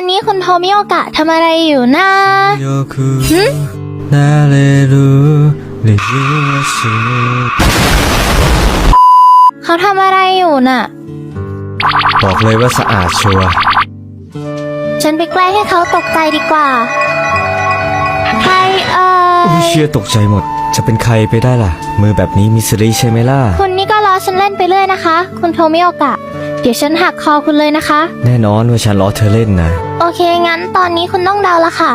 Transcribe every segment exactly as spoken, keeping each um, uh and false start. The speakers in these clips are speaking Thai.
อนนี้คุณโทมิโอกะทำอะไรอยู่นะหึเขาทำอะไรอยู่น่ะบอกเลยว่าสะอาดชัวร์ฉันไปแกล้งให้เขาตกใจดีกว่าใครเอ่ยอุ้ยเชื่อตกใจหมดจะเป็นใครไปได้ล่ะมือแบบนี้มิสซิรี่ใช่ไหมล่ะคุณนี่ก็ล้อฉันเล่นไปเรื่อยนะคะคุณโทมิโอกะเดี๋ยวฉันหักคอคุณเลยนะคะแน่นอนว่าฉันล้อเธอเล่นนะโอเคงั้นตอนนี้คุณต้องเดาละค่ะ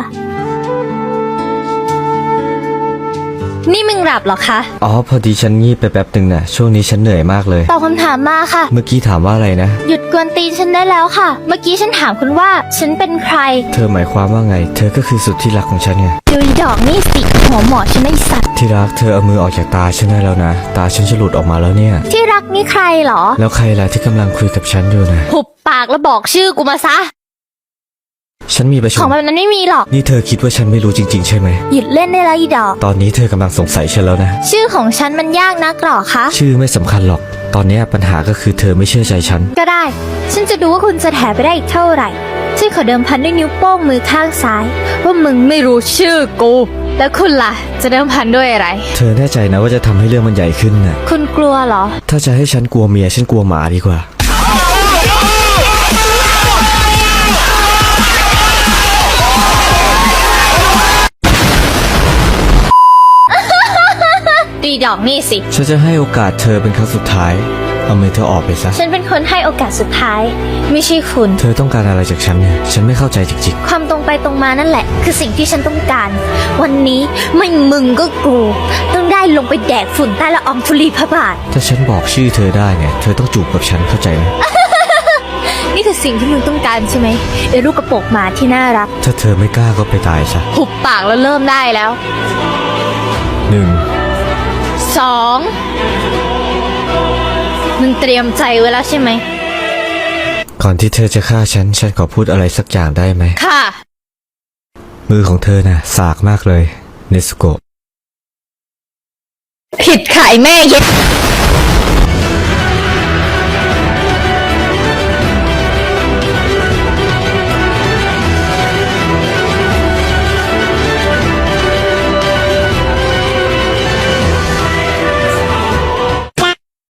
นี่มึงหลับเหรอคะอ๋อพอดีฉันงีบไปแป๊บหนึ่งน่ะช่วงนี้ฉันเหนื่อยมากเลยตอบคำถามมาค่ะเมื่อกี้ถามว่าอะไรนะหยุดกวนตีนฉันได้แล้วค่ะเมื่อกี้ฉันถามคุณว่าฉันเป็นใครเธอหมายความว่าไงเธอก็คือสุดที่รักของฉันไงดูดอกนี่สิหัวหมอฉันไอสัตว์ที่รักเธอเอามือออกจากตาฉันได้แล้วนะตาฉันจะหลุดออกมาแล้วเนี่ยที่รักนี่ใครเหรอแล้วใครล่ะที่กำลังคุยกับฉันอยู่นะหุบปากแล้วบอกชื่อกูมาซะฉันมีประชุมของแบบนั้นไม่มีหรอกนี่เธอคิดว่าฉันไม่รู้จริงๆใช่ไหมหยุดเล่นได้แล้วอีดอกตอนนี้เธอกำลังสงสัยฉันแล้วนะชื่อของฉันมันยากนักหรอคะชื่อไม่สำคัญหรอกตอนนี้ปัญหาก็คือเธอไม่เชื่อใจฉันก็ได้ฉันจะดูว่าคุณจะแถไปได้อีกเท่าไหร่ฉันขอเดิมพันด้วยนิ้วโป้งมือข้างซ้ายว่ามึงไม่รู้ชื่อกูแล้วคุณล่ะจะเดิมพันด้วยอะไรเธอแน่ใจนะว่าจะทำให้เรื่องมันใหญ่ขึ้นน่ะคุณกลัวเหรอถ้าจะให้ฉันกลัวเมียฉันกลัวหมาดีกว่าดีดอกนี่สิฉันจะให้โอกาสเธอเป็นครั้งสุดท้ายเอามือเธอออกไปซะฉันเป็นคนให้โอกาสสุดท้ายไม่ใช่คุณเธอต้องการอะไรจากฉันเนี่ยฉันไม่เข้าใจจริงๆความตรงไปตรงมานั่นแหละคือสิ่งที่ฉันต้องการวันนี้ไม่มึงก็กูต้องได้ลงไปแดกฝุ่นใต้ละอองธุลีพระบาทถ้าฉันบอกชื่อเธอได้เนี่ยเธอต้องจูบกับฉันเข้าใจไหมนี่คือสิ่งที่มึงต้องการใช่ไหมไอ้ลูกกระโปรงหมาที่น่ารักถ้าเธอไม่กล้าก็ไปตายซะหุบปากแล้วเริ่มได้แล้วหนึ่งสองมึงเตรียมใจไว้แล้วใช่ไหมก่อนที่เธอจะฆ่าฉันฉันขอพูดอะไรสักอย่างได้ไหมค่ะมือของเธอน่ะสากมากเลยเนซุโกะผิดขายแม่เย็ด